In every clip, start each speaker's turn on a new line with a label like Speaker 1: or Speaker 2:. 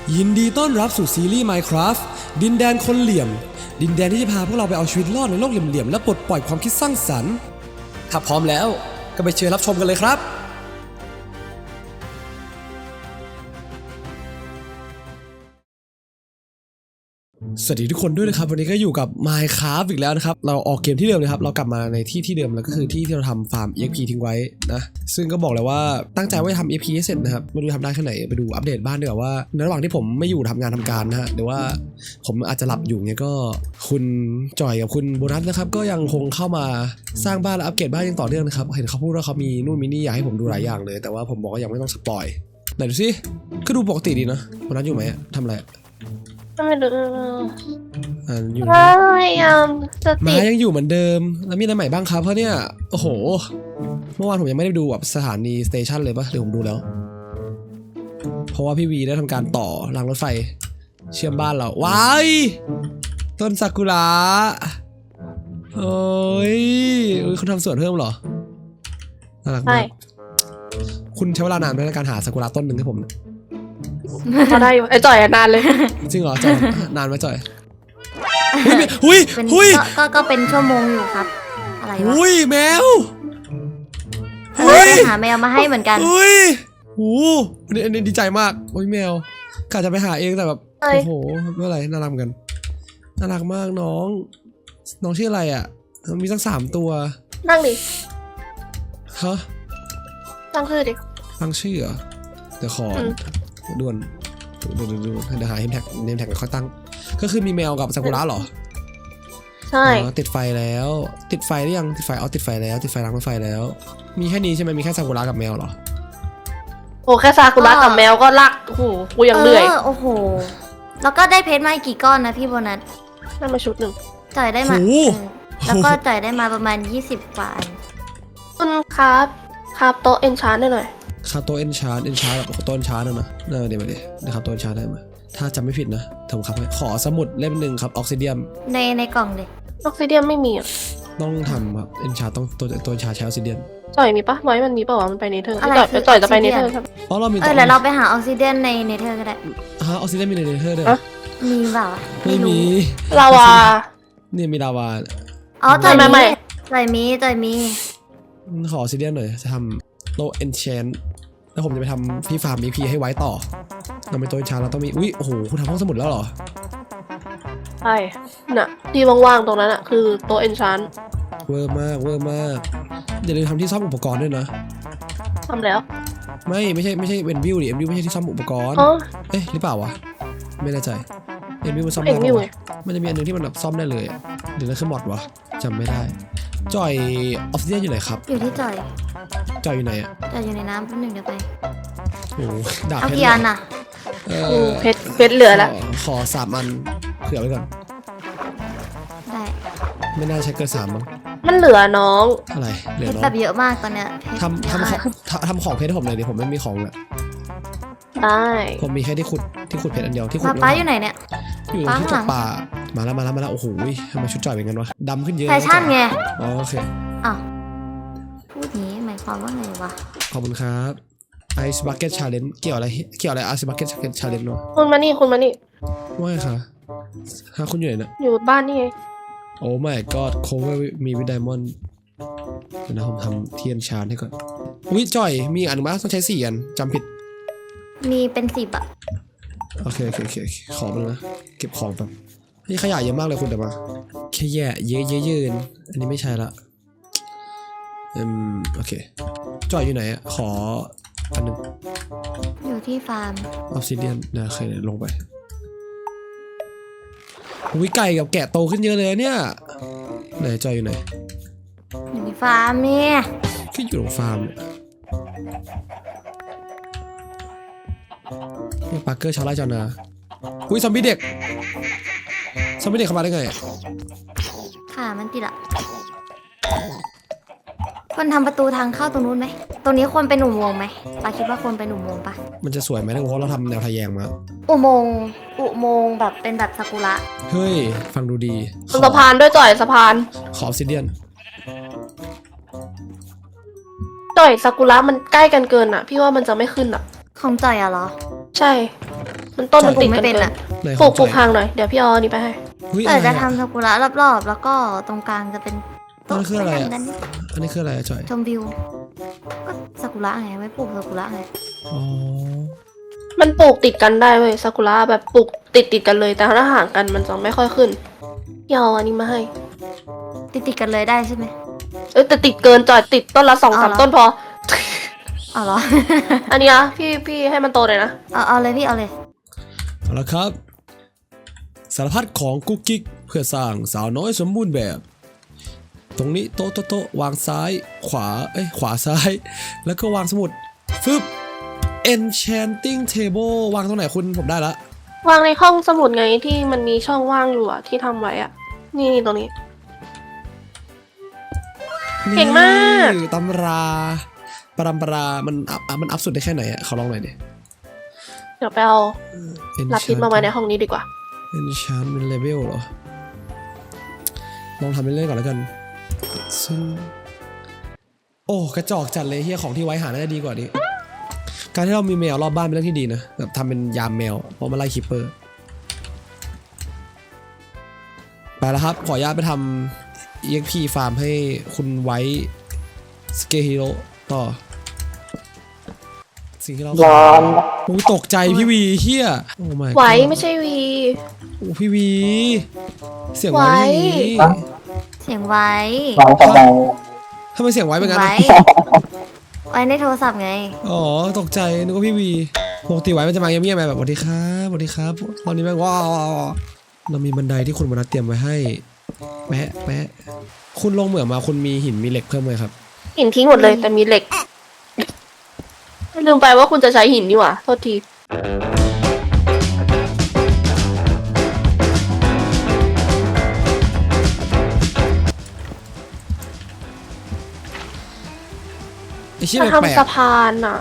Speaker 1: ยินดีต้อนรับสู่ซีรีส์ Minecraft ดินแดนคนเหลี่ยมดินแดนที่จะพาพวกเราไปเอาชีวิตรอดในโลกเหลี่ยมๆและปลดปล่อยความคิดสร้างสรรค์ถ้าพร้อมแล้วก็ไปเชิญรับชมกันเลยครับสวัสดีทุกคนด้วยนะครับวันนี้ก็อยู่กับ Minecraft อีกแล้วนะครับเราออกเกมที่เดิมเลยครับเรากลับมาในที่เดิมแล้วก็คือที่เราทำฟาร์ม EXP ทิ้งไว้นะซึ่งก็บอกเลยว่าตั้งใจว่าจะทำ EXP ให้เสร็จนะครับไม่รู้ทำได้แค่ไหนไปดูอัปเดตบ้านดีกว่าว่าในระหว่างที่ผมไม่อยู่ทำงานทำการนะฮะหรือว่าผมอาจจะหลับอยู่เนี่ยก็คุณจ่อยกับคุณโบนัสนะครับก็ยังคงเข้ามาสร้างบ้านและอัปเกรดบ้านยังต่อเนื่องนะครับเห็นเขาพูดว่าเขามีนู่นมีนี่อยากให้ผมดูหลายอย่างเลยแต่ว่าผมบอกว่ายังไม่ต้องสปอยไหนดูสิก็ดูปกติดีนะโบนัสอยู่ไหมทำอะไร
Speaker 2: ไม่รู้
Speaker 1: อยู่
Speaker 2: พยายามจะติด
Speaker 1: ยังอยู่เหมือนเดิมแล้วมีอะไรใหม่บ้างครับเพราะเนี่ยโอ้โหเมื่อวานผมยังไม่ได้ดูแบบสถานีสเตชันเลยปะหรือผมดูแล้วเพราะว่าพี่วีได้ทำการต่อรางรถไฟเชื่อมบ้านเราว้ายต้นซากุระโอ้ยคุณทำสวนเพิ่มเหรอน่ารักมากคุณใช้เวลานานไหมในการหาซากุระต้นหนึ่งให้ผม
Speaker 2: เขาได้ไอ้จ่อยนานเลย
Speaker 1: จริงเหรอจ่อยนานไหมจ่อยหุย
Speaker 3: ก็เป็นชั่วโมงอยู่ครับอะไรวะ
Speaker 1: หุยแมว
Speaker 3: ไปหาแมวมาให้เหมือนกัน
Speaker 1: หุยโอ้อันนี้ดีใจมากโอ้ยแมวกะจะไปหาเองแต่แบบโอ้โหเมื่อไหร่น่ารักกันน่ารักมากน้องชื่ออะไรอ่ะมีตั้ง3 ตัว
Speaker 2: นั่งดิ
Speaker 1: ฮะ
Speaker 2: ตั้งชื่อดิ
Speaker 1: ตั้งชื่อเหรอเดี๋ยวขอด่วนเดี๋ยวหาเนมแท็กค่อยตั้งก็คือมีแมวกับซากุระเหรอ
Speaker 2: ใช่
Speaker 1: ติดไฟแล้วติดไฟหรือยังติดไฟติดไฟแล้วติดไฟล้างรถไฟแล้วมีแค่นี้ใช่ไหมมีแค่ซากุระกับแมวเหรอ
Speaker 2: โอ้แค่ซากุระกับแมวก็ลักโอ้โหกูยังเหนื่อย
Speaker 3: โอ้โหแล้วก็ได้เพชรมากี่ก้อนนะพี่โบนัส
Speaker 2: ได้มาชุดหนึ่ง
Speaker 3: จ่ายได้มาแล้วก็จ่ายได้มาประมาณ20 กว่า
Speaker 2: คุณครับโต๊ะเอนชานได้หน่อย
Speaker 1: คาโตเอนชาร์แบบโตเอนชาร์นะเดี๋ยวมาดินะครับโตเอนชาร์ได้ไหมถ้าจำไม่ผิดนะทำครับขอสมุดเล่มหนึ่งครับออกซิเดียม
Speaker 3: ในกล่องเลย
Speaker 2: ออกซิเดียมไม่มีอ่ะ
Speaker 1: ต้องทำครับเอนชาร์ต้องตัวเอนชาร์ใช้ออกซิเดียม
Speaker 2: จ่อยมีปะไว้มันมีปะวะมันไปเนเธอร์จ่อยจะไปเนเธอร์ครับ
Speaker 1: เรามี
Speaker 3: แล้วเราไปหาออกซิเดียมในเนเธอร์ก็ได้
Speaker 1: ฮะออกซิเดียมมีในเนเธอร์ด้วย
Speaker 3: มีเปล่า
Speaker 1: ไม่มี
Speaker 2: ลาวา
Speaker 1: เนี่ยมีลาวา
Speaker 3: อ๋อจ่อยมี
Speaker 1: ขอออกซิเดียมหน่อยจะทำโตเอนชานแล้วผมจะไปทำพี่ฟาร์ม EP ให้ไว้ต่อเราเป็นตัวชาเราต้องมีอุ้ยโอ้โหคุณทำห้องสมุดแล้วเหรอ
Speaker 2: ใช่น่ะที่ว่างๆตรงนั้นอ่ะคือโต๊ะเอนชาน
Speaker 1: เวอร์มากอย่าลืมทำที่ซ่อมอุปกรณ์ด้วยนะ
Speaker 2: ทำแล้ว
Speaker 1: ไม่ใช่เวนวิวดิเอ็มวิวไม่ใช่ที่ซ่อมอุปกรณ์เอ๊ะหรือเปล่าวะไม่แน่ใจเอ็นวิวมันซ่อมได้ไหมมันจะมีอันนึงที่มันแบบซ่อมได้เลยเดี๋ยวนั่นคือมอดวะจำไม่ได้จอยออฟซิเดียนอยู่ไหนครับ
Speaker 3: อยู่ที่จอย
Speaker 1: อยู่ไหนอ่ะ
Speaker 3: จอยอยู่ในน้ำแป๊บนึงเดี๋ยวไป
Speaker 1: โอ้ดาบ
Speaker 3: เอากี่อันน่ะ
Speaker 2: เพชรเหลือแล้ว
Speaker 1: ขอ3 อันเผื่อไว้ก่อน
Speaker 3: ได้
Speaker 1: ไม่น่าใช้เกิน3มั้ง
Speaker 2: มันเหลือน้อง
Speaker 1: อะไรเหลือน้อง
Speaker 3: แบบเยอะมากตอนเนี้ย
Speaker 1: ทำของเพชรให้ผมเลยดิผมไม่มีของเลย
Speaker 2: ได้
Speaker 1: ผมมีแค่ที่ขุดเพชรอันเดียวที่ขุด
Speaker 3: ป้าอยู่ไหนเนี่ย
Speaker 1: อยู่ที่จับป่ามาแล้วโอ้โหทำไมชุดจ่อยเป็นกันวะดำขึ้นเยอะ
Speaker 3: แฟชั่นไง
Speaker 1: โอเค
Speaker 3: อ้าวพูดนี้หมายความว่าไงวะ
Speaker 1: ขอบคุณครับไอซ์บักเก็ตชาเลนจ์เกี่ยวอะไรไอซ์บักเก็ตชาเลนจ์เนาะ
Speaker 2: คุณมานี่
Speaker 1: ว่าไงคะคุณอยู่ไหนนะ
Speaker 2: อยู่บ้านนี่ไง
Speaker 1: โอ้ my god cover มีวิดไดมอนด์นะผมทำเทียนชาร์จให้ก่อนอุ้ยจ่อยมีอันมั้ยต้องใช้4 อันจำผิด
Speaker 3: มีเป็น10อ่ะ
Speaker 1: โอเคขอมาเลยนะเก็บของแบบนี่ขยะเยอะมากเลยคุณเดี๋ยวมาแค่แย่เยอะอันนี้ไม่ใช่ละโอเคจ่อยอยู่ไหนอ่ะขออันนึง
Speaker 3: อยู่ที่ฟาร์ม
Speaker 1: ออฟซิเดียนนะเคยลงไปวิไก่กับแกะโตขึ้นเยอะเลยเนี่ยไหนจอยอยู่ไหน
Speaker 3: อยู่ในฟาร์มเนี่ย
Speaker 1: คืออยู่ตรงฟาร์มเนี่ยปาร์เกอร์ชาวไร่ชาวนาอุ้ยซอมบี้เด็กเข้ามาได้ไง
Speaker 3: ค่ะมันติดอ่ะคนทำประตูทางเข้าตรงนู้นไหมตรงนี้ควรเป็นอุโมงค์ไหมปาคิดว่าควรเป็นอุโมงค์ปะ
Speaker 1: มันจะสวยไหมเพราะเราทำแนวทะแยงมา
Speaker 3: อุโมงค์แบบเป็นแบบซากุระ
Speaker 1: เฮ้ยฟังดูดี
Speaker 2: สะพานด้วยจ่อยสะพาน
Speaker 1: ขอออฟซิเดียน
Speaker 2: จ่อยซากุระมันใกล้กันเกินอ่ะพี่ว่ามันจะไม่ขึ้นอ่ะ
Speaker 3: ของจ่อยอะเหรอ
Speaker 2: ใช่มันต้นมันติดกัน
Speaker 3: ไม่เป็น
Speaker 2: เกิน
Speaker 3: อะ
Speaker 1: ไหน
Speaker 2: ปลูก
Speaker 1: ของ
Speaker 2: ห่างหน่อยเดี๋ยวพี่เอาอันนี้ไปให้
Speaker 1: เฮ้ย
Speaker 3: เอ
Speaker 1: อะ
Speaker 3: อ
Speaker 1: ไร
Speaker 3: จะ
Speaker 1: อะ
Speaker 3: ทำซากุระรอบๆ แล้วก็ตรงกลางจะเป็น
Speaker 1: นั่นคืออะไรอะ
Speaker 3: โต๊นั่งกัน
Speaker 1: อันนี้คืออะไรอะจอย
Speaker 3: ชมวิว ก็ซากุระไงไว้ปลูกซากุระไง
Speaker 1: อ๋อ
Speaker 2: มันปลูกติดกันได้เว้ยซากุระแบบปลูกติดกันเลยแต่ถ้าห่างกันมันจะไม่ค่อยขึ้นพี่เอาอันนี้มาให้
Speaker 3: ติดกันเลยได้ใช่ไหม
Speaker 2: แต่ติดเกินจอยติดต้นละ2-3
Speaker 3: เอาเหรอ
Speaker 2: ต้นพอ
Speaker 3: อ๋อเหรอ
Speaker 2: อันนี้นะพี่ให้มันโตเลยนะ
Speaker 3: เอาเลยพี่เอาเลย
Speaker 1: เอาละครับ สารพัดของกุ๊กกิ๊กเพื่อสร้างสาวน้อยสมบูรณ์แบบ ตรงนี้โต๊ะวางซ้ายขวาขวาซ้าย แล้วก็วางสมุดฟึบ enchanting table วางตรงไหนคุณผมได้ละ
Speaker 2: วางในห้องสมุดไงที่มันมีช่องว่างอยู่อะที่ทำไว้อะนี่ตรงนี้ เก่งมาก
Speaker 1: นี่ตำราปรำปรามันอัพสุดได้แค่ไหนอะขอลองหน่อยดิ
Speaker 2: เดี๋ยวไปเอาลับทิศมาไว้ในห้องนี้ดีกว่า
Speaker 1: enchantment level เหรอ ลองทำเล่นๆก่อนแล้วกัน ซึ่ง โอ้กระจอกจัดเลยเฮียของที่ไว้หาน่าจะดีกว่านี้ การที่เรามีแมวรอบบ้านเป็นเรื่องที่ดีนะแบบทำเป็นยามแมวเพราะมันไล่คิปเปอร์ ไปแล้วครับ ขออนุญาตไปทำ EXP ฟาร์มให้คุณไว้สเกฮิโร่ต่อ สิ่งที่เราร้อนโอ้ตกใจพี่วีเฮียโอ้ my
Speaker 2: ไว้
Speaker 1: god
Speaker 2: ไม่ใช่วี
Speaker 1: โอ้พี่วี เสียงไว้พี่วี
Speaker 3: เสียงไว้
Speaker 1: ทำไมเสียงไว้เป็นงั้น
Speaker 3: ไว้
Speaker 1: อะ
Speaker 3: ไว้ในโทรศัพท์ไง
Speaker 1: อ๋อตกใจนึกว่าพี่วีปกติไว้มันจะมาเงียบๆแบบสวัสดีครับสวัสดีครับตอนนี้แม่งว้าวเรามีบันไดที่คุณมนัสเตรียมไว้ให้แปะคุณลงเหมืองมาคุณมีหินมีเหล็กเพิ่มไหมครับ
Speaker 2: หินทิ้งหมดเลยแต่มีเหล็ก ลืมไปว่าคุณจะใช้หินนี่หว่าโทษที
Speaker 1: ไอ้เชี่ย
Speaker 2: จะ
Speaker 1: แปลก
Speaker 2: ทำสะพานอะ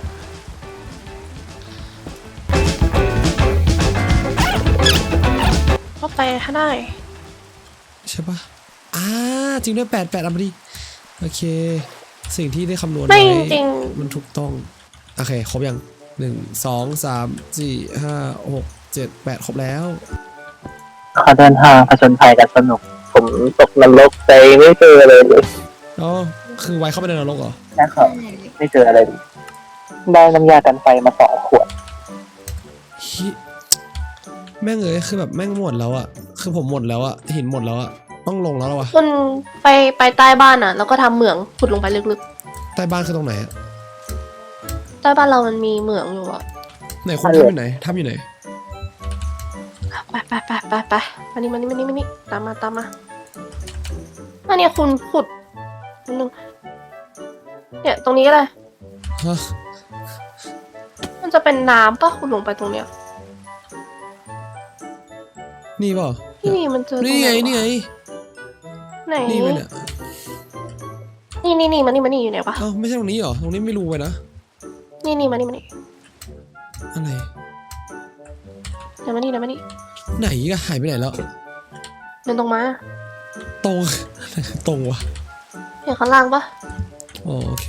Speaker 2: ก็ไปถ้าได้
Speaker 1: ๆใช่ปะจริงด้วย8เอามาดิโอเค สิ่งที่ได้คำนวณ
Speaker 2: ไม่
Speaker 1: ไว้
Speaker 2: จริง
Speaker 1: มันถูกต้องโอเคครบยัง1 2 3 4 5 6 7 8ครบแล้ว
Speaker 4: เขาเดินทางผจญภัยกันสนุก ผมตกนรกไปไม่เจออะไรเลย
Speaker 1: อ๋อคือไว้เข้าไปในนรกเหรอ
Speaker 4: นะครับไม่เจออะไรเลยได้น้ำยากันไฟมา2 ขวด
Speaker 1: ฮิแม่งคือแบบแม่งหมดแล้วอะคือผมหมดแล้วอะหินหมดแล้วอะต้องลงแล้ววะ
Speaker 2: คุณไปใต้บ้านอะแล้วก็ทำเหมืองขุดลงไปลึก
Speaker 1: ใต้บ้านคือตรงไหนอะ
Speaker 2: ๆ ใต้บ้านเรามันมีเหมืองอยู่อะ
Speaker 1: ไหนคุณทำอยู่ไหนทำอยู่ไหน
Speaker 2: ไปมานี่ตามมาอันนี้คุณขุดนิดนึงเนี่ยตรงนี้ก็ได้
Speaker 1: ฮะ
Speaker 2: มันจะเป็นน้ำปะคุณลงไปตรงเนี้ย
Speaker 1: นี่เปล่า
Speaker 2: นี่มันเจอตรง
Speaker 1: นี่
Speaker 2: ไห
Speaker 1: ไง
Speaker 2: วะ
Speaker 1: นี่ไง
Speaker 2: ไหน
Speaker 1: นี่ไปเนี่ย
Speaker 2: นี่มานี่อยู่ไหนปะ
Speaker 1: เอ้าไม่ใช่ตรงนี้เหรอตรงนี้ไม่รู้ไปนะ
Speaker 2: นี่มานี่
Speaker 1: อะไร
Speaker 2: เดี๋ยวมานี่
Speaker 1: ไหนก็หายไปไหนแล้ว
Speaker 2: เดินตรงมา
Speaker 1: ตรง ตรงวะ
Speaker 2: เห็นข้างล่างปะ
Speaker 1: อ๋อโอเค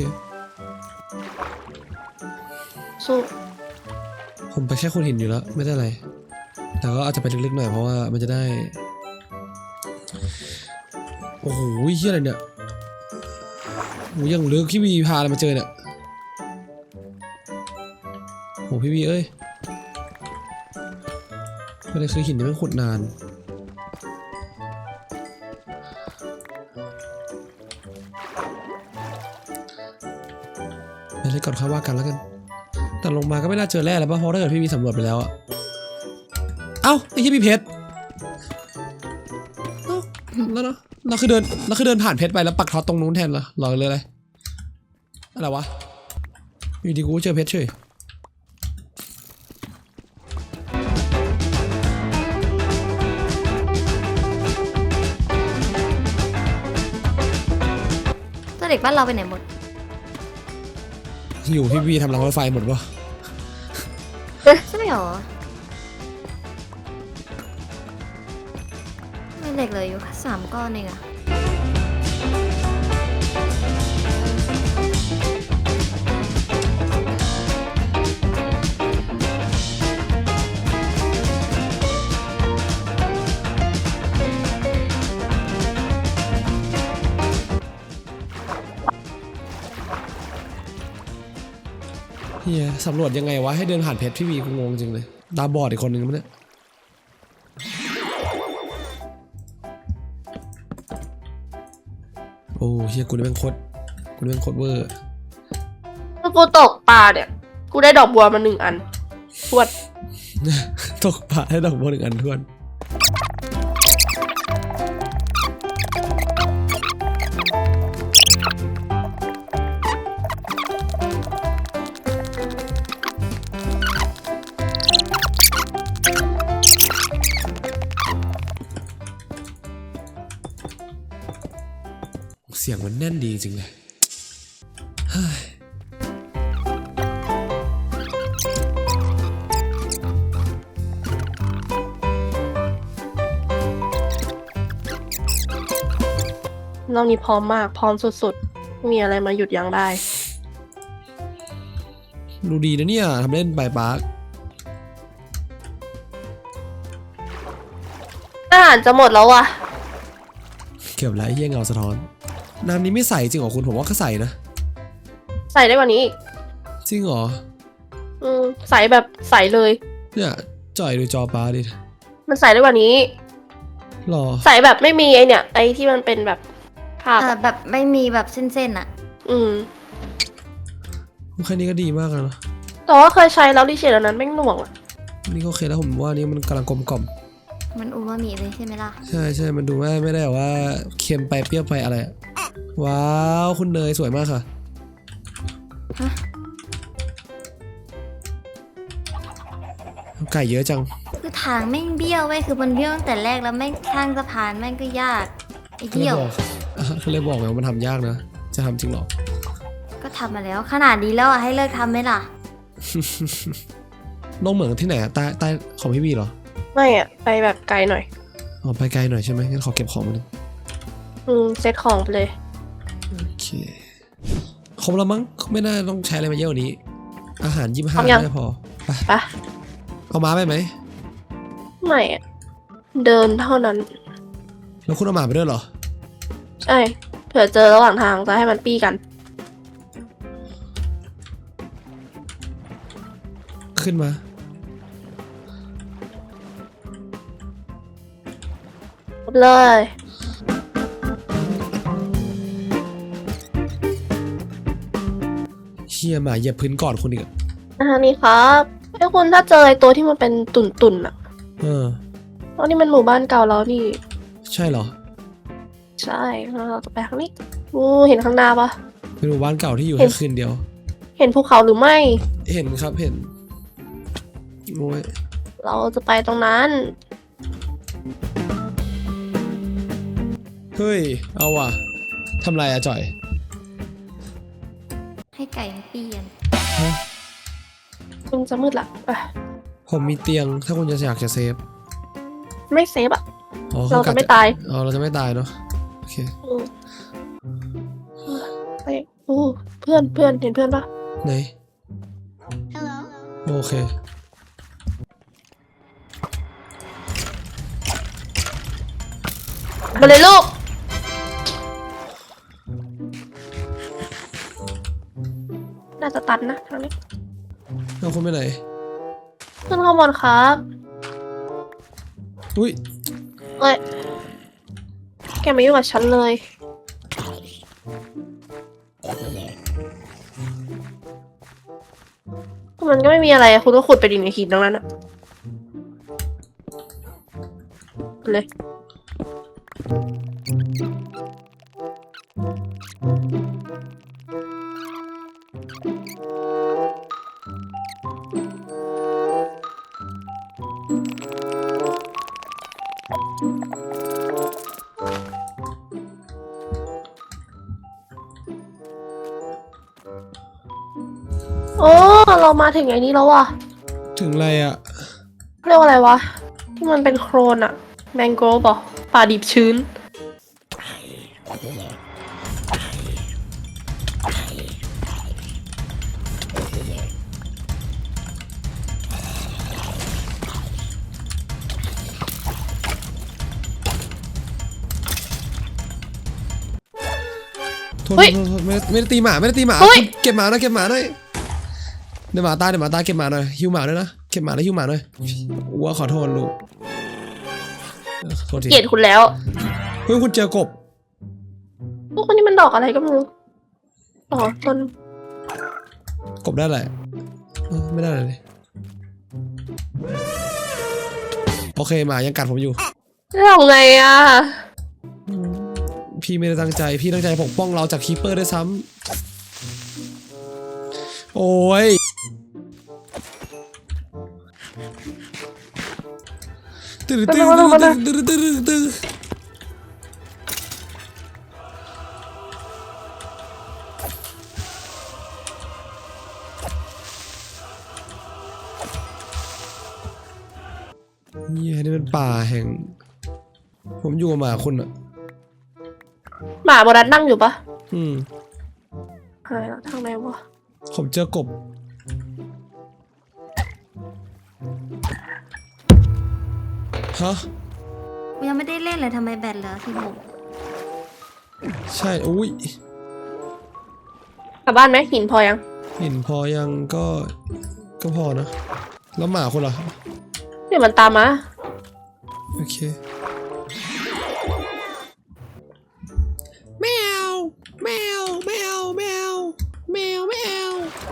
Speaker 2: สู้
Speaker 1: ผมไปแค่คุณหินอยู่แล้วไม่ได้อะไรแต่ก็อาจจะไปลึกๆหน่อยเพราะว่ามันจะได้โอ้โหเฮียอะไรเนี่ยโอ้ยังลึกพี่วีพาอะไรมาเจอเนี่ยโอ้พี่วีเอ้ยประเด็นคือหินนี่มันขุดนานไปเลยก่อนค่อยว่ากันแล้วกันแต่ลงมาก็ไม่น่าเจอแร่แล้วป่ะเพราะถ้าเกิดพี่วีสำรวจไปแล้วอะเอ้าไอ้ที่พี่เพชรเอ้าแล้วเนาะเราคือเดินผ่านเพชรไปแล้วปักท็อตตรงนู้นแทนเหรอหรอเลยอะไรวะอยู่ดีกูเจอเพชรเฉย
Speaker 3: ตัวเด็กบ้านเราไปไหนหมด
Speaker 1: อยู่พี่วีทำรางรถไฟหมดวะ
Speaker 3: ใช่หรอ ไม่เด็กเลยอยู่3 ก้อนเองอะ
Speaker 1: เฮียสำรวจยังไงวะให้เดินผ่านเพชรพี่วีกูงงจริงเลยตาบอดอีกคนนึงมั้ยเนี่ยโอ้เฮียกูนี่แม่งโคตรเวอร์
Speaker 2: ถ้ากูตกปลาเนี่ยกูได้ดอกบัวมา1 อันทวด
Speaker 1: ตกปลาให้ดอกบัว1 อันทวนเสียงมันแน่นดีจริงเลยเฮ้ย
Speaker 2: รอบนี้พร้อมมากพร้อมสุดๆไม่มีอะไรมาหยุดยั้งได้
Speaker 1: ดูดีนะเนี่ยทำเล่นบายบาร์ก
Speaker 2: อาหารจะหมดแล้วว่ะ
Speaker 1: เก็บแล้วไอ้เหี้ยเงาสะท้อนน้ำนี้ไม่ใสจริงเหรอคุณผมว่าก็ใสนะ
Speaker 2: ใส่ได้กว่านี้อีก
Speaker 1: จริงเหรอ
Speaker 2: ใส่แบบใส่เลย
Speaker 1: เนี่ยจ่อยดูจอปลาดิ
Speaker 2: มันใส่ได้กว่านี้
Speaker 1: หรอ
Speaker 2: ใส่แบบไม่มีไอเนี่ยไอที่มันเป็นแบบภาพอะ
Speaker 3: แบบไม่มีแบบเส้นๆอะ
Speaker 1: แค่นี้ก็ดีมากแล้วนะ
Speaker 2: แต่ว่าเคยใช้แล้วดิเชตอันนั้นแม่งหน่วงอะ
Speaker 1: นี่ก็โอเคแล้วผมว่านี่มันกำลังกลมกล่อม
Speaker 3: มันอูมามิเลยใช่ไหมล่ะ
Speaker 1: ใช่ใช่มันดูไม่ได้แบบว่าเค็มไปเปรี้ยวไปอะไรอะว้าวคุณเนยสวยมากค่ะ
Speaker 3: ฮะ
Speaker 1: ไก่เยอะจัง
Speaker 3: คือทางแม่งเบี้ยวเว้ยคือมันเบี้ยวตั้งแต่แรกแล้วแม่งข้างสะพานแม่งก็ยากไอ้
Speaker 1: ก็เล
Speaker 3: เบี้
Speaker 1: ย
Speaker 3: ยว
Speaker 1: บอกก็เลยบอกไงว่ามันทำยากนะ จะทำจริงหรอ
Speaker 3: ก็ทำมาแล้วขนาดนี้แล้วอะให้เลิกทำไหมล่ะ
Speaker 1: น้องเหมืองที่ไหนอะใต้ของพี่บีเหรอ
Speaker 2: ไม่อะไปแบบไกลหน่อย
Speaker 1: อ๋อไปไกลหน่อยใช่ไหมงั้นขอเก็บของมาหนึ่ง
Speaker 2: เซตของไปเลย
Speaker 1: โอเคครบแล้วมั้งไม่น่าต้องใช้อะไรมาเยอะกว่านี้ อาหาร25
Speaker 2: พร้อมยัง
Speaker 1: ได้พอไป
Speaker 2: ปะ
Speaker 1: เอาม้าไปไหม
Speaker 2: ไม่อะเดินเท่านั้น
Speaker 1: แล้วคุณเอาหมาไปด้วยเหรอ
Speaker 2: ใช่เผื่อเจอระหว่างทางจะให้มันปี้กัน
Speaker 1: ขึ้นมา
Speaker 2: เลย
Speaker 1: เฮียหมาเหยียบพื้นก่อนคุณอีกอะ
Speaker 2: นี่ครับให้คุณถ้าเจอไอตัวที่มันเป็นตุ่นๆอะ
Speaker 1: เออ
Speaker 2: เพราะนี่มันหมู่บ้านเก่าแล้วนี่
Speaker 1: ใช่เหรอ
Speaker 2: ใช่เราจะไปทางนี้เห็นข้างหน้าปะ
Speaker 1: เป็นหมู่บ้านเก่าที่อยู่
Speaker 2: เห็
Speaker 1: แค่
Speaker 2: น
Speaker 1: คืนเดียว
Speaker 2: เห็นภูเขาหรือไม่
Speaker 1: เห็นครับเห็นโอ้ย
Speaker 2: เราจะไปตรงนั้น
Speaker 1: เฮ้ยเอาว่ะทำไรอะจ่อย
Speaker 3: ให้ไก่มันปี้กัน
Speaker 1: ฮะ
Speaker 2: มันจะมืดละไป
Speaker 1: ผมมีเตียงถ้าคุณจะอยากจะเซฟ
Speaker 2: ไม่เซฟอะ
Speaker 1: อ๋อ
Speaker 2: เราจะไม่ตาย
Speaker 1: อ๋อเราจะไม่ตายเนาะโอเค
Speaker 2: ไปเพื่อนเห็นเพื่อนปะ
Speaker 1: ไหนโอเค
Speaker 2: มาเลยลูกน่าจะตัดนะทางนี้
Speaker 1: เอาคุณไปไหน
Speaker 2: ขึ้นข้างบนครับ
Speaker 1: อุ้ย
Speaker 2: เอ้ยแกไม่ยุ่งกับฉันเลยมันก็ไม่มีอะไรอะคุณก็ขุดไปดิในหินตรงนั้นอะเลย โอ้เรามาถึงไอ้นี้แล้วว่ะ
Speaker 1: ถึงอะไรอะ
Speaker 2: เรียกว่าอะไรวะ ที่มันเป็นโครนอะแมงโกรฟเหรอป่าดิบชื้น
Speaker 1: โทษ
Speaker 2: เฮ้ย
Speaker 1: ไม่ได้ตีหมาไม่ได้ตีหมา
Speaker 2: เฮ้ย
Speaker 1: เก็บหมาหน่อยเก็บหมาหน่อยเดี๋ยวหมาตายเก็บหมาหน่อยฮิวหมาด้วยนะเก็บหมาแล้วฮิวหมาหน่อยอ้วขอโทษลูกโทษที
Speaker 2: เกลียดคุณแล้ว
Speaker 1: เฮ้ยคุณเจอกบ
Speaker 2: พวกคนนี้มันดอกอะไรก็ไม่รู้อ๋อต้น
Speaker 1: กบได้อะไรไม่ได้เลยโอเคหมายังกัดผมอยู่
Speaker 2: ทำไงอ่ะ
Speaker 1: พี่ไม่ได้ตั้งใจพี่ตั้งใจปกป้องเราจากคีเปอร์ด้วยซ้ำโอ้ยตื่นเนี่ยนี่เป็นป่าแห่งผมอยู่กับหมาคุณอ่ะ
Speaker 2: หมาโบนัสนั่งอยู่ปะ
Speaker 1: อืม
Speaker 2: หายแล้วทางไหนวะ
Speaker 1: ผมเจอกบฮะ
Speaker 3: ยังไม่ได้เล่นเลยทำไมแบตเหลือ16
Speaker 1: ใช่อุ้ย
Speaker 2: กลับบ้านไหมหินพอยัง
Speaker 1: หินพอยังก็พอนะแล้วหมาคุณล่ะ
Speaker 2: เดี๋ยวมันตามมา
Speaker 1: โอเคแมวแมวแมวแมวแมวแมว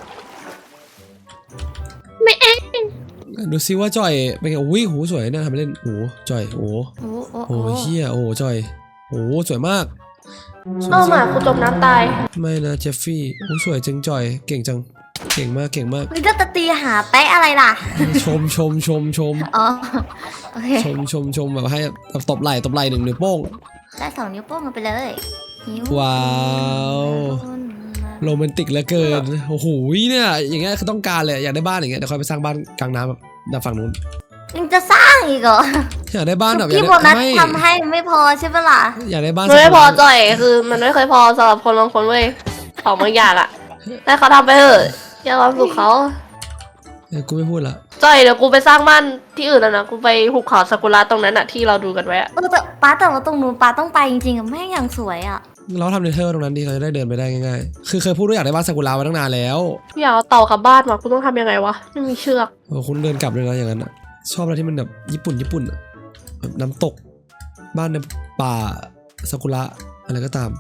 Speaker 2: ไม่เอง
Speaker 1: ดูซิว่าจอยเป็นไงอุ้ยหูสวยนะทำไปเล่นโอ้จอยโอ้
Speaker 3: โอ้โอ้
Speaker 1: โอ้เฮียโอ้จอยโอ้สวยมากสวย
Speaker 2: เอาหมา
Speaker 1: จริง
Speaker 2: กูจมน้ำตาย
Speaker 1: ไม่นะเจฟฟี่โอ้สวยจังจอยเก่งจังเก่งมากเก่งมาก
Speaker 3: นี่ก็จะตีหาแป๊ะอะไรล่ะ
Speaker 1: ชม
Speaker 3: อ๋อ โอเค
Speaker 1: ชมแบบให้แบบตบไหล่หนึ่งนิ้วโป้ง
Speaker 3: ได้2 นิ้วโป้งกันไปเลยนิ้ว
Speaker 1: ว้าวโรแมนติกเหลือเกินโอ้โหเนี่ยอย่างเงี้ยคือต้องการเลยอยากได้บ้านอย่างเงี้ยเดี๋ยวค่อยไปสร้างบ้านกลางน้ำแบบด้านฝั่งนู้น
Speaker 3: ยังจะสร้างอีกเหรอ
Speaker 1: อยากได้บ้านแบบ
Speaker 3: พี่โบนัสทำให้ไม่พอใช่ปะล่ะ
Speaker 1: อยากได้บ้าน
Speaker 2: มันไม่พอ
Speaker 1: สักหลัง
Speaker 2: จ่อยคือมันไม่เคยพอสำหรับคนบางคนเว้ยของบางอย่างอะแต่เขาทำไปเถอะอย่าความสุขเขา
Speaker 1: กูไม่พูดละ
Speaker 2: จ่อยเดี๋ยวกูไปสร้างบ้านที่อื่นแล้วนะกูไปหุบเขาซากุระตรงนั้นอะที่เราดูกันไว้อะ
Speaker 3: แต่แต่ว่าตรงนู้นป้าต้องไปจริงๆอะแม่งอย่างสวยอะ
Speaker 1: เราทำเนเธอร์ตรงนั้นดีเราจะได้เดินไปได้ง่ายๆคือเคยพูดว่าอยากได้บ้านซากุระมาตั้งนานแล้ว
Speaker 2: พี่อยากเอาเต่ากลับบ้านมากูต้องทำยังไงวะไม่มีเชือก
Speaker 1: โอ้คุณเดินกลับเลยนะอย่างนั้นอะชอบอะไรที่มันแบบญี่ปุ่นอะแบบน้ำตกบ้านในป่าซากุระอะไรก็ตาม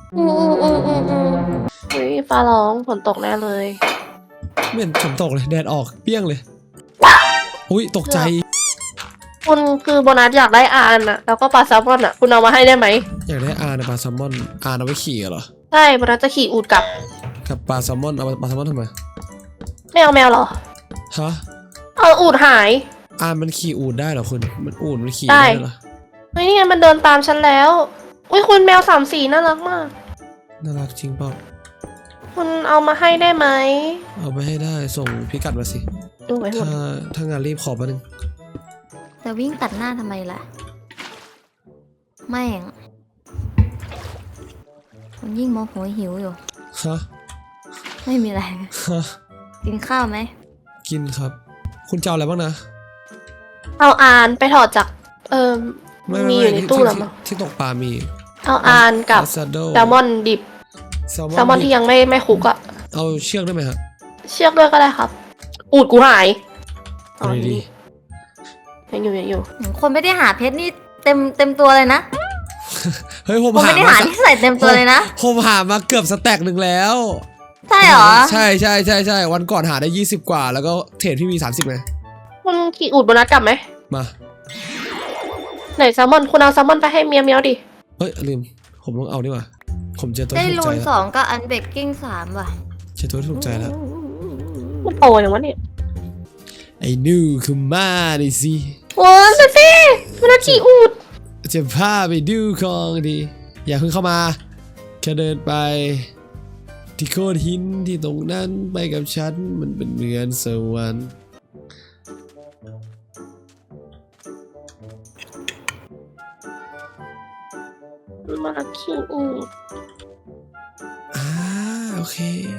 Speaker 2: อุ้ยฟ้าร้องฝนตกแน่เลย
Speaker 1: ไม่เห็นฝนตกเลยแดดออกเปี้ยงเลยอุ้ยตกใจ
Speaker 2: คุณคือโบนัสอยากได้อาร์นอะแล้วก็ปลาแซลมอนอะคุณเอามาให้ได้ไหม
Speaker 1: อยากได้อาร์นะปลาแซลมอนอาร์เอาไว้ขี่เหรอ
Speaker 2: ใช่โบนัสจะขี่อูดกลับ
Speaker 1: กับปลาแซลมอนเอาปลาแซลมอนทำไม
Speaker 2: ไม่เอาแมวเหรอ
Speaker 1: ฮะ
Speaker 2: เอาอูดหาย
Speaker 1: อาร์มันขี่อูดได้เหรอคุณมันอูดมันขี่
Speaker 2: ได้
Speaker 1: ได้เหรอ
Speaker 2: เฮ้ยนี่ไงมันเดินตามฉันแล้ว อุ้ยคุณแมว3 สีน่ารักมาก
Speaker 1: น่ารักจริงเปล่า
Speaker 2: คุณเอามาให้ได้ไหม
Speaker 1: เอาไปให้ได้ส่งพิกัดมาสิ
Speaker 2: ดูไว้หมด
Speaker 1: ถ้างานรีบขอมาหนึ่ง
Speaker 3: แต่วิ่งตัดหน้าทำไมล่ะแม่งมันยิ่งโมโหหิวอยู่
Speaker 1: ฮะ
Speaker 3: ไม่มีอะไร
Speaker 1: ฮะ
Speaker 3: กินข้าวไหม
Speaker 1: กินครับ คุณจะเอาอะไรบ้างนะ
Speaker 2: เอาอาร์นไปถอดจากมีอยู่ในตู้แล้วมั้ง
Speaker 1: ที่ตกปลามี
Speaker 2: เอาอาร์นกับ
Speaker 1: ซาโด
Speaker 2: แซลมอนดิบแซลมอนที่ยังไม่คุกอะ
Speaker 1: เอาเชือกได้ไหมฮะ
Speaker 2: เชือกด้วยก็ได้ครับ อูดกูหาย
Speaker 1: เอาดี
Speaker 2: ยังอยู่
Speaker 3: คนไม่ได้หาเพชรนี่เต็มตัวเลยนะ
Speaker 1: ๆเฮ้ยผม
Speaker 3: คน
Speaker 1: หา
Speaker 3: ไม่ได้หาที่ใส่เต็มตัวเลยนะ
Speaker 1: ผมหามาเกือบสแต็กหนึ่งแล้ว
Speaker 3: ใช่เหรอ
Speaker 1: ใช่วันก่อนหาได้20 กว่า แล้วก็เทรดพี่มี30ไง
Speaker 2: คุณขี่อูดโบนัสกลับไหม
Speaker 1: มา
Speaker 2: ไหนแซลมอนคุณเอาแซลมอนไปให้เมียวดิ
Speaker 1: เฮ้ยลืมผมต้องเอาดีกว่าผมเจอตัว
Speaker 3: ได้
Speaker 1: ที่ถู
Speaker 3: รู
Speaker 1: กใจ
Speaker 3: น
Speaker 1: แล้ว
Speaker 3: 2กับอันเบกกิ้ง3ว่ะ
Speaker 1: เจอตัวที่ถูกใจแล้ว
Speaker 2: มันโตอย่างวะเนี่ย
Speaker 1: ไอ้นิวคือมาดิสิ
Speaker 2: โอ้ยสิมันน่าขี่อูด
Speaker 1: จะพาไปดูของดีอย่าเพิ่งเข้ามาแค่เดินไป ที่โคตรหินที่ตรงนั้นไปกับฉันมันเป็นเหมือนสวรรค์
Speaker 2: มาขี่อูด
Speaker 1: โอเค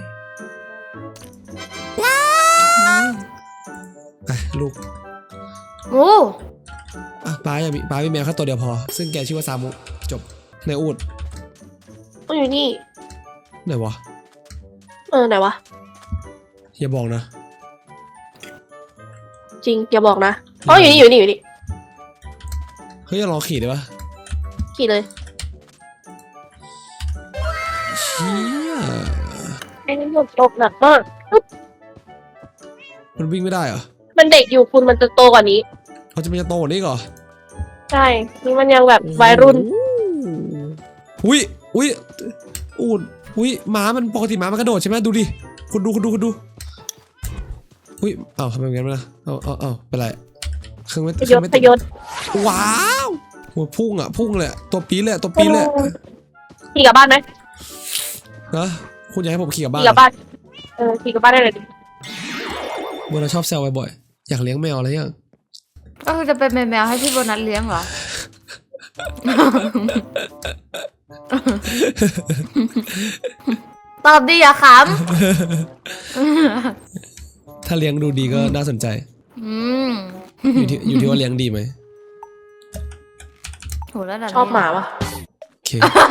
Speaker 1: ไปลูก
Speaker 3: โอ้
Speaker 1: ป้ามีแมวแค่ตัวเดียวพอ ซึ่งแกชื่อว่าซามุจบในอูด
Speaker 2: มันอยู่นี่
Speaker 1: ไหนวะ
Speaker 2: ไหนวะ
Speaker 1: อย่าบอกนะ
Speaker 2: จริงอย่าบอกนะอ๋ออยู่นี่
Speaker 1: เฮ้ยลองขี่ได้ปะ
Speaker 2: ขี่เลย
Speaker 1: เชี่ย
Speaker 2: ไอ้นี่หมดตกหนักมาก
Speaker 1: มันวิ่งไม่ได้เหรอ
Speaker 2: มันเด็กอยู่คุณมันจะโตกว่านี้
Speaker 1: เขาจะไม่จะโตกว่านี้เหรอ
Speaker 2: ใช่ นี่มันยังแบบวัยรุ่น
Speaker 1: อุ้ยอูดอุ้ยม้ามันปกติม้ามันกระโดดใช่ไหมดูดิคุณดูอุ้ยอ้าวทำไมอย่างนั้นล่ะเอาเป็นไรเครื่องไม่
Speaker 2: พยศ
Speaker 1: ว้าวหัวพุ่งเลยตัวปี๊ดเลยตัวปี๊ดเลย
Speaker 2: ขี่กลับบ้านไหม
Speaker 1: นะคุณอยากให้ผมขี่กลับบ้าน
Speaker 2: ขี่กลับบ้านขี่กลับบ้านได้เลยดิ
Speaker 1: โบนัสชอบแซวบ่อยๆอยากเลี้ยงแมวอะไรยัง
Speaker 3: ก็คือจะเป็นแมวให้พี่โบนัสเลี้ยงเหรอ ตอบดีอย่าข
Speaker 1: ถ้าเลี้ยงดูดีก็น่าสนใจ
Speaker 3: ำ
Speaker 1: อยู่ที่ว่าเลี้ยงดีไหม
Speaker 3: โหแล้วแบบ
Speaker 2: ชอบหมาปะ
Speaker 1: โอเค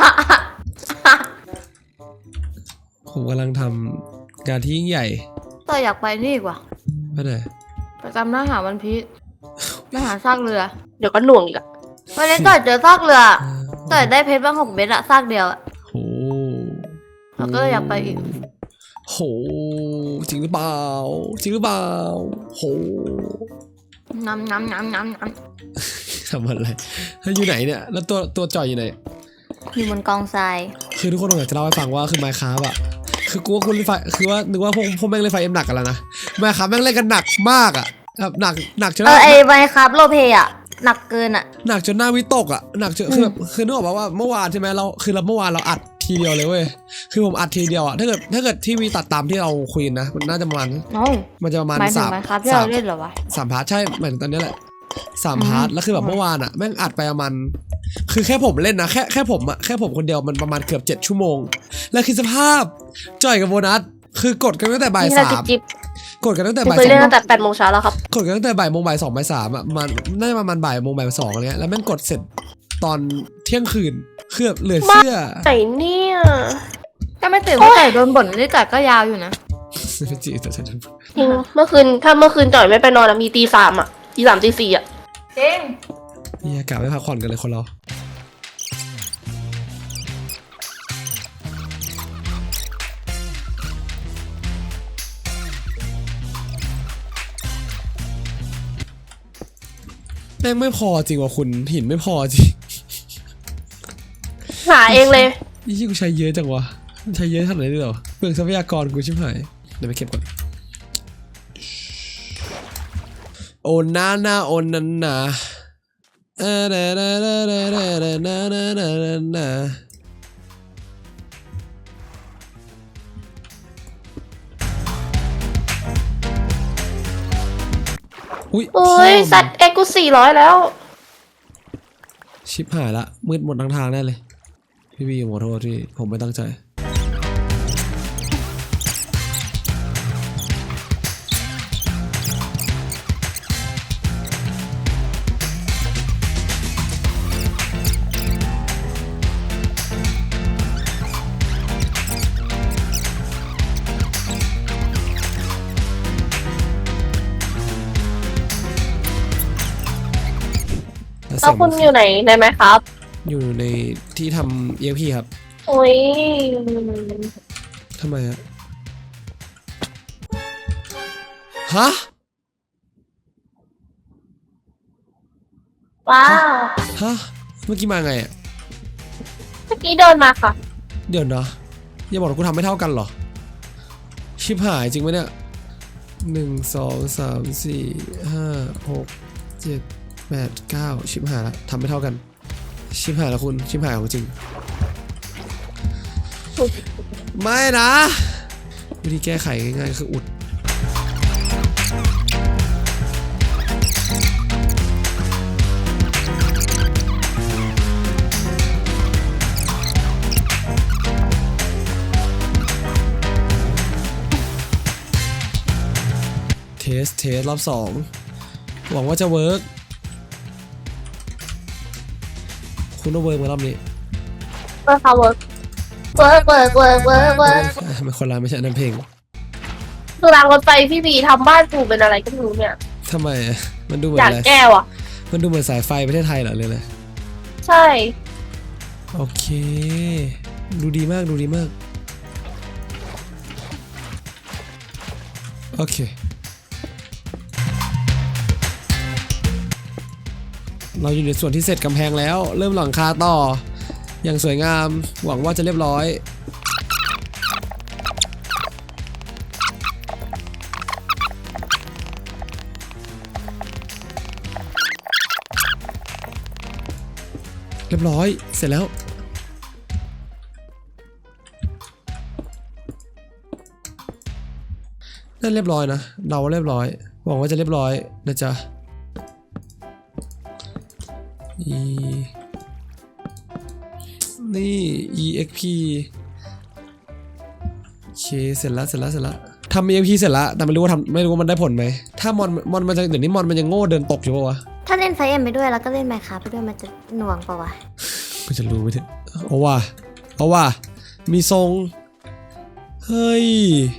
Speaker 1: ผมกำลังทำงานที่ยิ่งใหญ่
Speaker 3: ต่ออยากไปนี่ดีกว่า
Speaker 1: ไม่ได้
Speaker 3: ไปจำหน้าหาวันพีชหน้าหาซากเรือ
Speaker 2: เดี๋ยวก็หน่วงอีกอะ
Speaker 3: วันนี้ต่อยเจอซากเรือต่อยได้เพชรบ้าง6 เม็ดอะซากเดียวอะ
Speaker 1: โห
Speaker 3: แล้วก็เลยอยากไปอีก
Speaker 1: โหจริงหรือเปล่าโห
Speaker 3: น้ำ
Speaker 1: ทำอะไรถ้าอยู่ไหนเนี่ยแล้วตัวจอยอยู่ไหน
Speaker 3: อยู่บนกองทราย
Speaker 1: คือทุกคนอยากจะเล่าให้ฟังว่าคือ Minecraft อะคือกูว่าคุณเล่นไฟคือว่านึกว่าพวกแม่งเล่นไฟเอ็มหนักกันแล้วนะ Minecraft แม่งเล่นกันหนักมากอะแบบหนักจน
Speaker 3: ไอไมครับโลเพอะหนักเกินอะ
Speaker 1: หนักจนหน้าวิตกอะหนักจนคือแบบคือนึกออกป่าวว่าเมื่อวานใช่ไหมเราเมื่อวานเราอัดทีเดียวเลยเว้ยคือผมอัดทีเดียวอะถ้าเกิดที่วีตัดตามที่เราคุยนะมันน่าจะประมาณ
Speaker 3: โอ้
Speaker 1: มันจะประมาณ
Speaker 3: หมายถึง
Speaker 1: สาม
Speaker 3: ไมครับที่เราเล่นเหรอวะ
Speaker 1: สามพาร์ทใช่หมายถึงตอนนี้แหละ3 พาร์ทแล้วคือแบบเมื่อวานอะแม่งอัดไปประมาณคือแค่ผมเล่นนะแค่ผมคนเดียวมันประมาณเกือบ7 ชั่วโมงแล้วคือสภาพจ่อยกับโบนัสคือกดกันตั้งแต่บ่าย
Speaker 2: นี่
Speaker 1: สา
Speaker 2: เรา
Speaker 1: ม
Speaker 2: จิบ
Speaker 1: กดกันตั้งแต่
Speaker 2: ๆ
Speaker 1: บ่าย
Speaker 2: เคย
Speaker 1: สอ
Speaker 2: เล่น
Speaker 1: ง
Speaker 2: ตั้งแต่8 โมงเช้าแล้วครับ
Speaker 1: กดกันตั้งแต่บ่ายโมงบ่าย 2 บ่าย 3อะมันน่าจะประมาณบ่ายโมงบ่าย 2อะไรเงี้ยแล้วแม่งกดเสร็จตอนเที่ยงคืนคือแบบเหลือเชื่อ
Speaker 2: ไหนเนี่ย
Speaker 3: ก็ไม่ตื่นเมื่อไก่โดนบ่นนี่ไก่ก็ยาวอยู่นะ
Speaker 1: จีแต่ฉัน
Speaker 2: จริงเมื่อคืนจ่อยไม่ไปนอนอะมีตี 3อะตี 3ตี 4อะ
Speaker 3: จริง
Speaker 1: นี่กะไม่พักผ่อนกันเลยคนเราแม่งไม่พอจริงว่ะคุณหินไม่พอจริง
Speaker 2: หาเองเลย
Speaker 1: ยี่กูใช้เยอะจังวะใช้เยอะขนาดนี้เลยเหรอเปลืองทรัพยากรกูชิบหายเดี๋ยวไปเก็บก่อนโอนานาโอนันนาอุ้ย
Speaker 2: โอ้ยสัตว์เอ็กกู400แล้ว
Speaker 1: ชิบหายละมืดหมดทั้งทางแน่เลยพี่วีขอโทษที่ผมไม่ตั้งใจ
Speaker 2: แล้วคุณอยู่ไหนไหมครับ
Speaker 1: อยู่ในที่ทำ EXP ครับ
Speaker 2: โอ้ย
Speaker 1: ทำไมฮะ
Speaker 2: ว้าว
Speaker 1: ฮะเมื่อกี้มาไงอ่ะ
Speaker 2: เมื่อกี้เดินมาค่ะ
Speaker 1: เดี๋ยวนะอย่าบอกว่ากูทำไม่เท่ากันเหรอชิบหายจริงไหมเนี่ย1 2 3 4 5 6 7 8 9ชิบหายละทำไม่เท่ากันชิบหายละคุณชิบหายของจริงไม่นะวิธีแก้ไขง่ายๆคืออุดเทสรอบ2หวังว่าจะเวิร์กคุณต้องเวิร์กมารอบนี้
Speaker 2: เวิร์กค่ะเวิร์ก
Speaker 1: มันคนละไม่ใช่น้ำเพลง
Speaker 2: คือรางรถไฟพี่บีทำบ้านกูเป็นอะไรก็ไม่รู้เนี่ย
Speaker 1: ททำไมอะมันดูเหมือ
Speaker 2: อน ยาก
Speaker 1: อะไร
Speaker 2: แก้วอ่ะ
Speaker 1: มันดูเหมือนสายไฟประเทศไทยเหรอเลย
Speaker 2: ใช่
Speaker 1: โอเค ดูดีมากดูดีมากโอเคเราอยู่ในส่วนที่เสร็จกำแพงแล้วเริ่มหลังคาต่ออย่างสวยงามหวังว่าจะเรียบร้อยเรียบร้อยเสร็จแล้วนั่นเรียบร้อยนะเดาว่าเรียบร้อยหวังว่าจะเรียบร้อยนะจ๊ะนี่ exp โอเคเสร็จแล้วทำ exp เสร็จแล้วแต่ไม่รู้ว่ามันได้ผลไหมถ้ามอนมันจะเดี๋ยวนี้มอนมันยังโง่เดินตกอยู่ปะวะ
Speaker 3: ถ้าเล่นไฟเอ็มไปด้วยแล้วก็เล่นไมค์ครับไปด้วยมันจะหน่วงปะวะ
Speaker 1: ก็จะรู้ไปเถอะเอาว่ะมีทรงเฮ้ย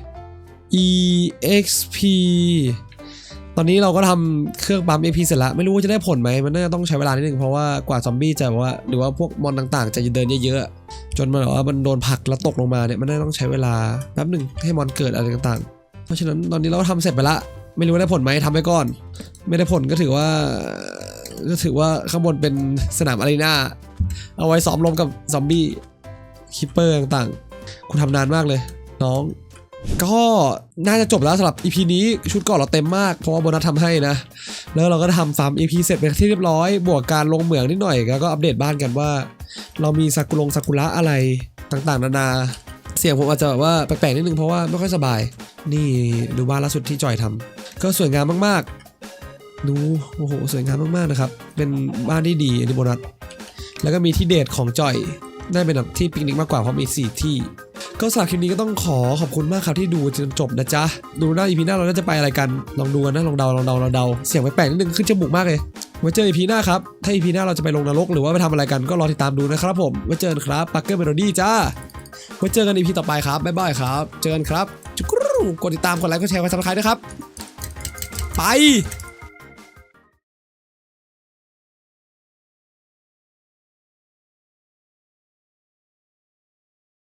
Speaker 1: exp ตอนนี้เราก็ทำเครื่องปั๊ม exp เสร็จแล้วไม่รู้ว่าจะได้ผลไหมมันน่าจะต้องใช้เวลานิดนึงเพราะว่ากว่าซอมบี้จะว่าหรือว่าพวกมอนต่างๆจะเดินเยอะๆจนมันแบบว่ามันโดนผลักแล้วตกลงมาเนี่ยมันน่าจะต้องใช้เวลาแป๊บหนึ่งให้มอนเกิดอะไรต่างๆเพราะฉะนั้นตอนนี้เราก็ทำเสร็จไปละไม่รู้ว่าได้ผลไหมทำไปก่อนไม่ได้ผลก็ถือว่าข้างบนเป็นสนามอารีนาเอาไว้ซ้อมรบกับซอมบี้คิปเปอร์ต่างๆคุณทำนานมากเลยน้องก็น่าจะจบแล้วสำหรับ EP นี้ชุดเกราะเราเต็มมากเพราะว่าโบนัสทำให้นะแล้วเราก็ทำฟาร์ม EP เสร็จเป็นที่เรียบร้อยบวกการลงเหมืองนิดหน่อยแล้วก็อัปเดตบ้านกันว่าเรามีซากุระอะไรต่างๆนานาเสียงผมอาจจะแบบว่าแปลกๆนิดนึงเพราะว่าไม่ค่อยสบายนี่ดูบ้านล่าสุดที่จอยทำก็สวยงามมากๆดูโอ้โหสวยงามมากๆนะครับเป็นบ้านที่ดีอันนี้โบนัสแล้วก็มีที่เดทของจอยได้เป็นแบบที่ปิกนิกมากกว่าเพราะมี4ที่ก็สำหรับคลิปนี้ก็ต้องขอบคุณมากครับที่ดูจนจบนะจ๊ะดูหน้า EP หน้าเราน่าจะไปอะไรกันลองดูกันนะลองเดาเสียงแปลกๆนิดนึงขึ้นจมูกมากเลยไว้เจอ EP หน้าครับถ้า EP หน้าเราจะไปลงนรกหรือว่าไปทำอะไรกันก็รอติดตามดูนะครับผมไว้เจอกันครับปักเกอร์เมโลดี้จ้าไว้เจอกัน EP ต่อไปครับบ๊ายบายครับเจอกันครับจุ๊กรูกดติดตามกดไลค์กดแชร์กดซับสไครต์ด้วยครับไป